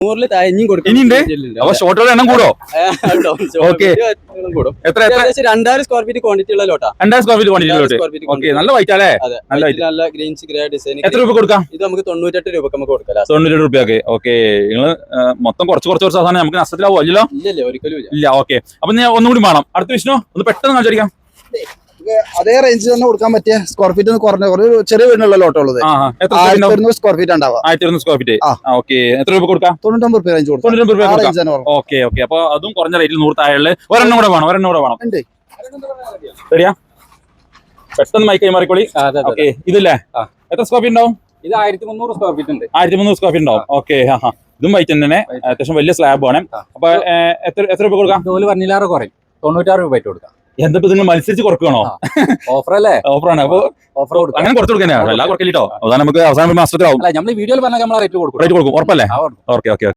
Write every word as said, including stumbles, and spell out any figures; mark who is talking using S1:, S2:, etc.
S1: നൂറില് താഴെയും കൊടുക്കും.
S2: ഇനിയുണ്ട് അപ്പൊ ഷോട്ടുകളുടെ എണ്ണം കൂടോ? ഓക്കെ, എത്ര എത്ര
S1: രണ്ടായിരം സ്ക്വയർ ഫീറ്റ് ക്വാണ്ടിറ്റി ഉള്ള ലോട്ടാ.
S2: രണ്ടായിരം സ്ക്വയർ ഫീറ്റ് ക്വാണ്ടിറ്റി. ഓക്കെ, നല്ല വൈറ്റ് അല്ലേ? നല്ല വൈറ്റ്.
S1: നല്ല ഗ്രീൻസ് ഗ്രേ ഡിസൈൻ.
S2: എത്ര രൂപ കൊടുക്കാം?
S1: ഇത് നമുക്ക് തൊണ്ണൂറ്റെട്ട് രൂപ നമുക്ക് കൊടുക്കാം.
S2: തൊണ്ണൂറ്റെട്ട് രൂപയൊക്കെ. ഓക്കെ, നിങ്ങൾ മൊത്തം കുറച്ച് കുറച്ച് കുറച്ച് സാധനം നമുക്ക് നഷ്ടത്തിലാവോ? അല്ലല്ലോ,
S1: ഇല്ലല്ലേ, ഒരിക്കലും
S2: ഇല്ല. ഓക്കെ, അപ്പൊ ഞാൻ ഒന്നും കൂടി വേണം. അടുത്ത വിഷ്ണു ഒന്ന് പെട്ടെന്ന് കാണിച്ചായിരിക്കാം.
S3: അതേ റേഞ്ച് തന്നെ കൊടുക്കാൻ പറ്റിയ സ്ക്വയർ ഫീറ്റ് കുറഞ്ഞ ഒരു ചെറിയ വീടിനുള്ള ലോട്ടുള്ളത് ആയിരത്തി സ്ക്വയർ ഫീറ്റ് ഉണ്ടാവും.
S2: ആയിരത്തി ഇരുന്നൂറ് സ്ക്വയർ ഫീറ്റ്. ഓക്കെ, എത്ര രൂപ കൊടുക്കാം?
S3: തൊണ്ണൂറ്റൊമ്പത് രൂപ റേഞ്ച് കൊടുക്കാം.
S2: ഓക്കെ ഓക്കെ, അപ്പൊ അതും കുറഞ്ഞ റേറ്റിൽ നൂറ് താഴെ ഒരെണ്ണം കൂടെ വേണം. ഒരെണ്ണം കൂടെ വേണം. ശരിയാ, പെട്ടെന്ന് മൈക്ക് കൈമാറിക്കോളി. ഓക്കെ, ഇതില്ലേ എത്ര സ്ക്വയർ ഫീറ്റ് ഉണ്ടാവും?
S1: ഇത് ആയിരത്തി മുന്നൂറ് സ്ക്വയർ ഫീറ്റ് ഉണ്ട്.
S2: ആയിരത്തി മുന്നൂറ് സ്ക്വയർ ഫീറ്റ് ഉണ്ടാവും. ഓക്കെ, ഹാ, ഇതും വൈറ്റ് തന്നെ, അത്യാവശ്യം വലിയ സ്ലാബ് ആണ്. അപ്പൊ എത്ര എത്ര രൂപ കൊടുക്കാം?
S1: ജോലി പറഞ്ഞില്ലാറ് കുറയും, തൊണ്ണൂറ്റാറ് രൂപ ആയിട്ട് കൊടുക്കാം.
S2: എന്താ നിങ്ങൾ മത്സരിച്ച് കുറക്കണോ?
S1: ഓഫർ അല്ലേ?
S2: ഓഫറാണ്. അപ്പൊ
S1: ഓഫർ കൊടുക്കാം,
S2: അങ്ങനെ കുറച്ച് കൊടുക്കാനാ? എല്ലാം കുറക്കില്ലോ. അവസാനം നമുക്ക് അവസാനം മാസത്തിലാവും.
S1: നമ്മൾ വീഡിയോയിൽ പറഞ്ഞാൽ നമ്മൾ റേറ്റ് കൊടുക്കും.
S2: റേറ്റ് കൊടുക്കും, ഉറപ്പല്ലേ? Okay okay.